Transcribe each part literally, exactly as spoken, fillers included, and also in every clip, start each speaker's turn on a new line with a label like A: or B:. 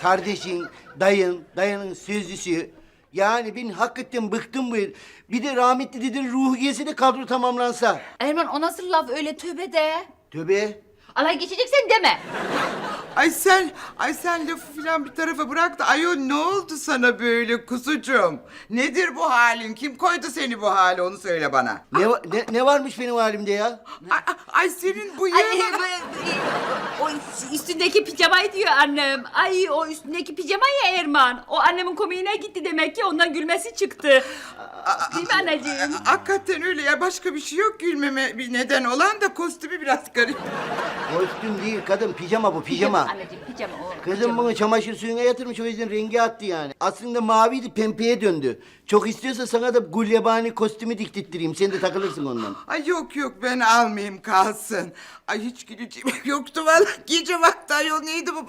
A: kardeşin, dayın, dayının sözlüsü. Yani ben hakikaten bıktım bu. Bir de rahmetli dedenin ruhu gelse de kadro tamamlansa.
B: Erman o nasıl laf öyle tövbe de.
A: Tövbe.
B: Alay geçeceksen deme.
C: Ay sen, ay sen lafı filan bir tarafa bırak da ayol ne oldu sana böyle kuzucuğum? Nedir bu halin? Kim koydu seni bu hale onu söyle bana.
A: Ne, va- ne, ne varmış benim halimde ya?
C: Ay, ay, ay senin bu
B: Ay,
C: yığına...
B: e, bu- e, o üstündeki pijamayı diyor annem. Ay o üstündeki pijama ya Erman. O annemin komiğine gitti demek ki ondan gülmesi çıktı. Değil mi anneciğim?
C: Hakikaten öyle ya, başka bir şey yok gülmeme bir neden olan da kostümü biraz garip.
A: Kostüm değil kadın, pijama bu, pijama.
B: Anneciğim pijama o.
A: Kızım
B: pijama.
A: bunu çamaşır suyuna yatırmış, o yüzden rengi attı yani. Aslında maviydi, pembeye döndü. Çok istiyorsa sana da gulyabani kostümü diktirttireyim, sen de takılırsın ondan.
C: Ay yok yok ben almayayım kalsın. Ay hiç güleceğim yoktu vallahi. Gece vakti ayol neydi bu?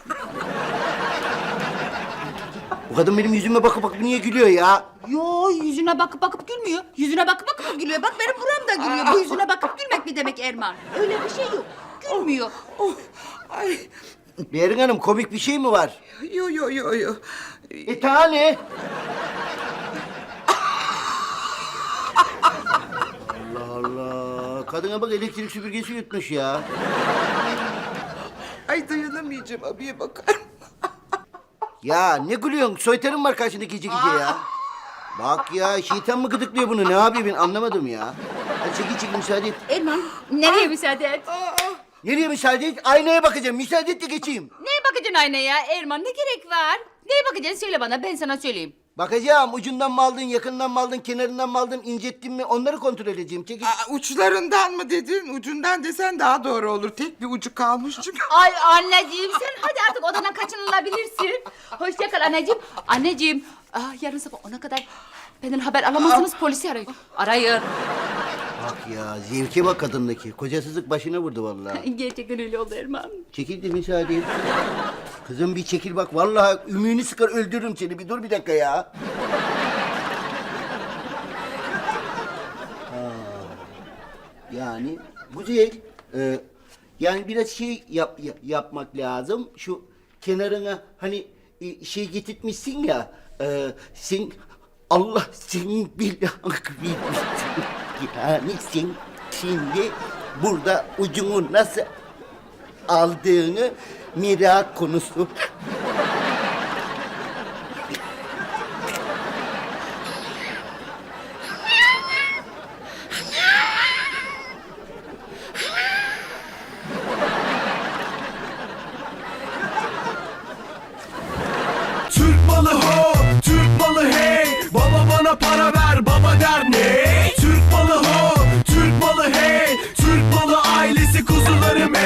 A: Bu kadın benim yüzüme bakıp bakıp niye gülüyor ya?
B: Yo yüzüne bakıp bakıp gülmüyor. Yüzüne bakıp bakıp gülüyor. Bak benim buram da gülüyor. Bu yüzüne bakıp gülmek mi demek Erman? Öyle bir şey yok. Gülmüyor.
C: Oh, ay
A: Berin Hanım, komik bir şey mi var?
C: yo yo yo yo.
A: E tane. Allah Allah. Kadına bak, elektrik süpürgesi yutmuş ya.
C: Ay dayanamayacağım abiye bakar.
A: Ya ne gülüyorsun? Soytarın var karşında gece gece ya. Bak ya, şeytan mı gıdıklıyor bunu? Ne yapıyor ben anlamadım ya. Hadi çekil çekil, müsaade et.
B: Erman nereye müsaade et?
A: Nereye müsaade et? Aynaya bakacağım. Müsaade et de geçeyim.
B: Neye bakacaksın aynaya Erman? Ne gerek var? Neye bakacaksın söyle bana, ben sana söyleyeyim.
A: Bakacağım. Ucundan mı aldın, yakından mı aldın, kenarından mı aldın, incettin mi? Onları kontrol edeceğim. Çekil.
C: Aa, uçlarından mı dedin? Ucundan desen daha doğru olur. Tek bir ucu kalmış çünkü.
B: Ay anneciğim sen hadi artık odadan kaçınılabilirsin. Hoşça kal anneciğim. Anneciğim ah, yarın sabah ona kadar benden haber alamazsınız, polisi arayın. Arayın.
A: Bak ya, zevke bak kadındaki. Kocasızlık başına vurdu vallahi.
B: Gerçekten öyle oldu Erman.
A: Çekil de müsaade et. Kızım bir çekil bak. Vallahi ümüğünü sıkar öldürürüm seni. Bir dur bir dakika ya. Ha. Yani güzel. Ee, yani biraz şey yap, yap- yapmak lazım. Şu kenarına hani e, şey getirtmişsin ya. E, sen Allah senin belanı vermesin. Yani sen şimdi burada ucunu nasıl aldığını merak konusu.